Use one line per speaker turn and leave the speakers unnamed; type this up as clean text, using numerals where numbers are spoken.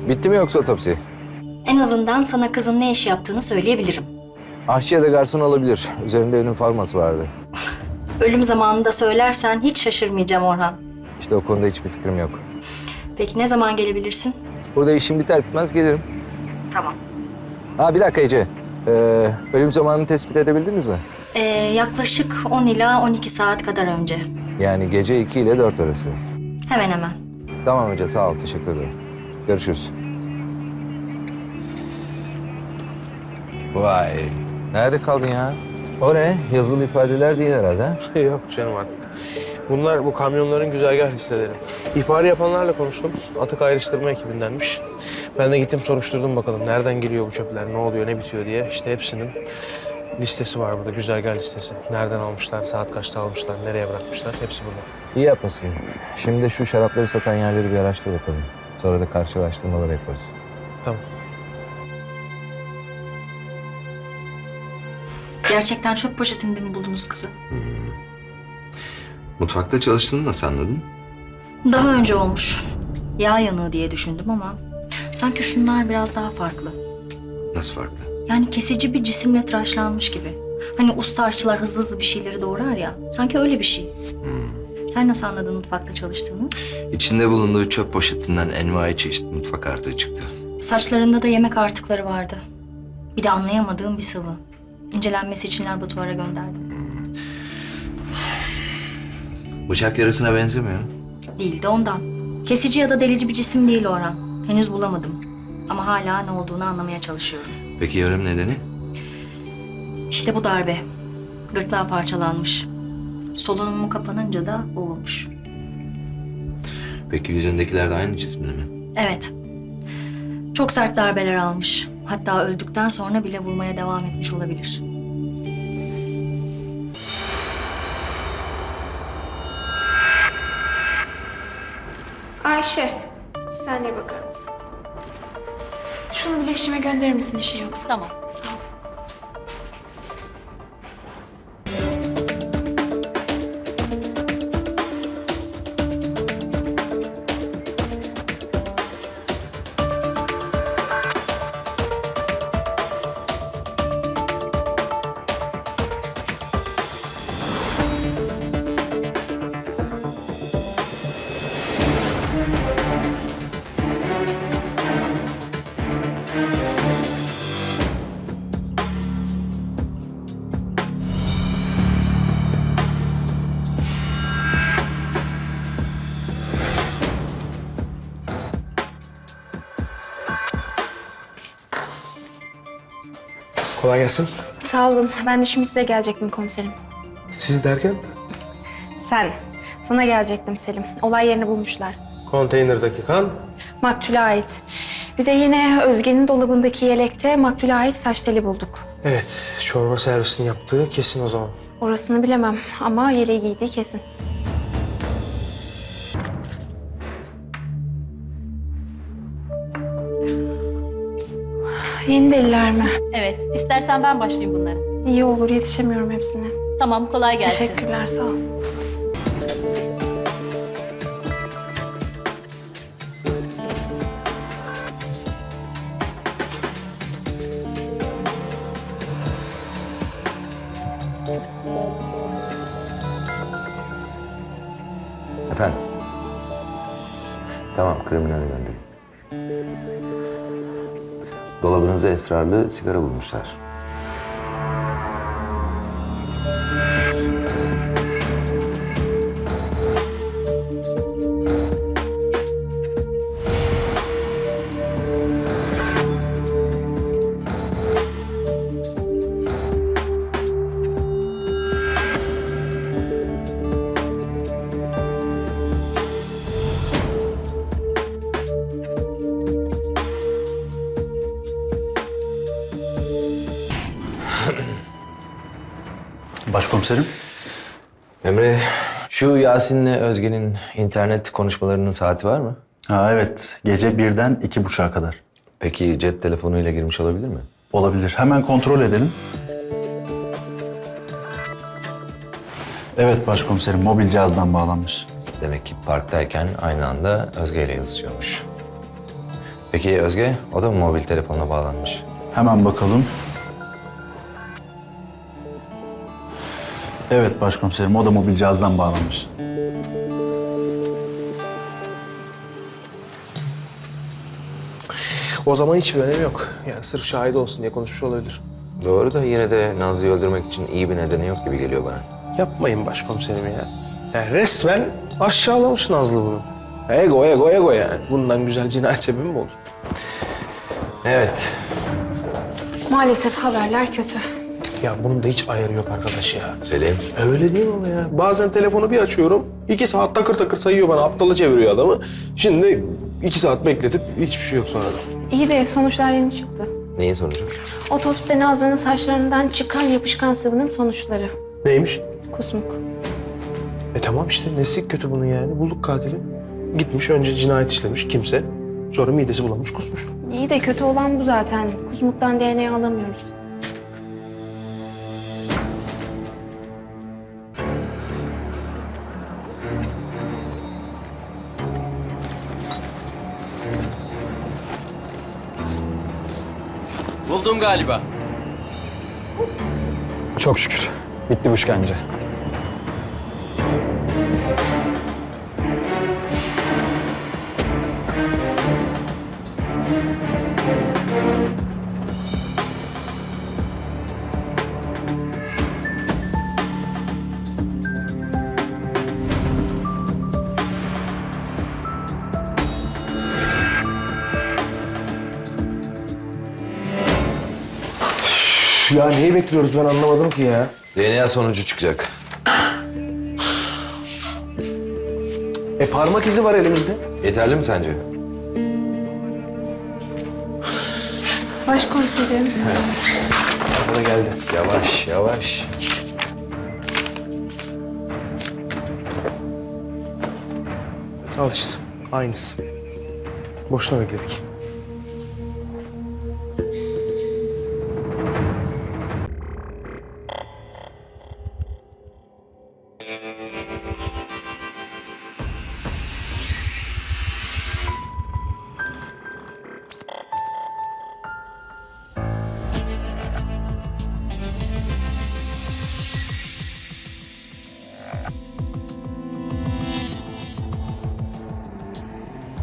Bitti mi yoksa otopsi?
En azından sana kızın ne iş yaptığını söyleyebilirim.
Aşçı ya da garson olabilir. Üzerinde ölüm forması vardı.
Ölüm zamanında söylersen hiç şaşırmayacağım Orhan.
İşte o konuda hiçbir fikrim yok.
Peki ne zaman gelebilirsin?
Burada işim biter bitmez gelirim.
Tamam.
Ha bir dakika Ece. Ölüm zamanını tespit edebildiniz mi?
Yaklaşık 10 ila 12 saat kadar önce.
Yani gece 2 ile 4 arası.
Hemen hemen.
Tamam Ece, sağ ol. Teşekkür ederim. Görüşürüz. Vay. Nerede kaldın ya? O ne? Yazılı ifadeler değil herhalde.
Yok canım artık. Bunlar bu kamyonların güzergah listeleri. İhbarı yapanlarla konuştum. Atık ayrıştırma ekibindenmiş. Ben de gittim soruşturdum bakalım. Nereden geliyor bu çöpler, ne oluyor, ne bitiyor diye. İşte hepsinin listesi var burada, güzergah listesi. Nereden almışlar, saat kaçta almışlar, nereye bırakmışlar, hepsi burada.
İyi yapmışsın. Şimdi de şu şarapları satan yerleri bir araştır bakalım. Sonra da karşılaştırmalar yaparız.
Tamam.
Gerçekten çöp poşetinde mi buldunuz kızı?
Mutfakta çalıştığını nasıl anladın?
Daha önce olmuş. Yağ yanığı diye düşündüm ama sanki şunlar biraz daha farklı.
Nasıl farklı?
Yani kesici bir cisimle tıraşlanmış gibi. Hani usta aşçılar hızlı hızlı bir şeyleri doğrar ya. Sanki öyle bir şey. Sen nasıl anladın mutfakta çalıştığını?
İçinde bulunduğu çöp poşetinden envai çeşit mutfak artığı çıktı.
Saçlarında da yemek artıkları vardı. Bir de anlayamadığım bir sıvı. İncelenmesi için laboratuvara gönderdim.
Bıçak yarasına benzemiyor.
Değil de ondan. Kesici ya da delici bir cisim değil Orhan. Henüz bulamadım. Ama hala ne olduğunu anlamaya çalışıyorum.
Peki ölüm nedeni?
İşte bu darbe. Gırtlağı parçalanmış. Solunumu kapanınca da boğulmuş.
Peki yüzündekiler de aynı cisminde mi?
Evet. Çok sert darbeler almış. Hatta öldükten sonra bile vurmaya devam etmiş olabilir.
Ayşe, bir saniye bakar mısın? Şunu bileşime gönderir misin işin yoksa?
Tamam.
Sağ ol.
Kolay gelsin.
Sağ olun. Ben de şimdi size gelecektim komiserim.
Siz derken?
Sen. Sana gelecektim Selim. Olay yerini bulmuşlar.
Konteynerdaki kan.
Maktule ait. Bir de yine Özge'nin dolabındaki yelekte maktule ait saç teli bulduk.
Evet, çorba servisini yaptığı kesin o zaman.
Orasını bilemem ama yeleği giydiği kesin. Yeni deliller mi?
Evet, istersen ben başlayayım bunlara.
İyi olur, yetişemiyorum hepsine.
Tamam, kolay gelsin.
Teşekkürler, sağ ol.
Efendim? Tamam, kriminale gönderin. Dolabınıza esrarlı sigara bulmuşlar.
Başkomiserim.
Emre, şu Yasin'le Özge'nin internet konuşmalarının saati var mı?
Ha evet, gece 1'den 2.30'a kadar.
Peki cep telefonuyla girmiş olabilir mi?
Olabilir. Hemen kontrol edelim. Evet başkomiserim, mobil cihazdan bağlanmış.
Demek ki parktayken aynı anda Özge ile yazışıyormuş. Peki Özge, o da mı mobil telefonla bağlanmış?
Hemen bakalım. Evet başkomiserim, o da mobil cihazdan bağlanmış.
O zaman hiçbir önemi yok. Yani sırf şahit olsun diye konuşmuş olabilir.
Doğru da yine de Nazlı'yı öldürmek için iyi bir nedeni yok gibi geliyor bana.
Yapmayın başkomiserim ya. Yani resmen aşağılamış Nazlı bunu. Ego yani. Bundan güzel cinayet sebebi mi olur?
Evet.
Maalesef haberler kötü.
Ya bunun da hiç ayarı yok arkadaş ya.
Selim.
Öyle değil mi ama ya? Bazen telefonu bir açıyorum, 2 saat takır takır sayıyor bana, aptala çeviriyor adamı. Şimdi 2 saat bekletip hiçbir şey yok sonra da.
İyi de sonuçlar yeni çıktı.
Neyin sonucu?
Otopside Nazlı'nın saçlarından çıkan yapışkan sıvının sonuçları.
Neymiş?
Kusmuk.
Tamam işte, nesi kötü bunun yani? Bulduk katili. Gitmiş, önce cinayet işlemiş kimse. Sonra midesi bulanmış, kusmuş.
İyi de kötü olan bu zaten. Kusmuktan DNA alamıyoruz.
Buldum galiba.
Çok şükür. Bitti bu işkence.
Ya neyi bekliyoruz ben anlamadım ki ya.
DNA sonucu çıkacak.
Parmak izi var elimizde.
Yeterli mi sence?
Başkomiserim.
Bana geldi.
Yavaş, yavaş.
Al işte, aynısı. Boşuna bekledik.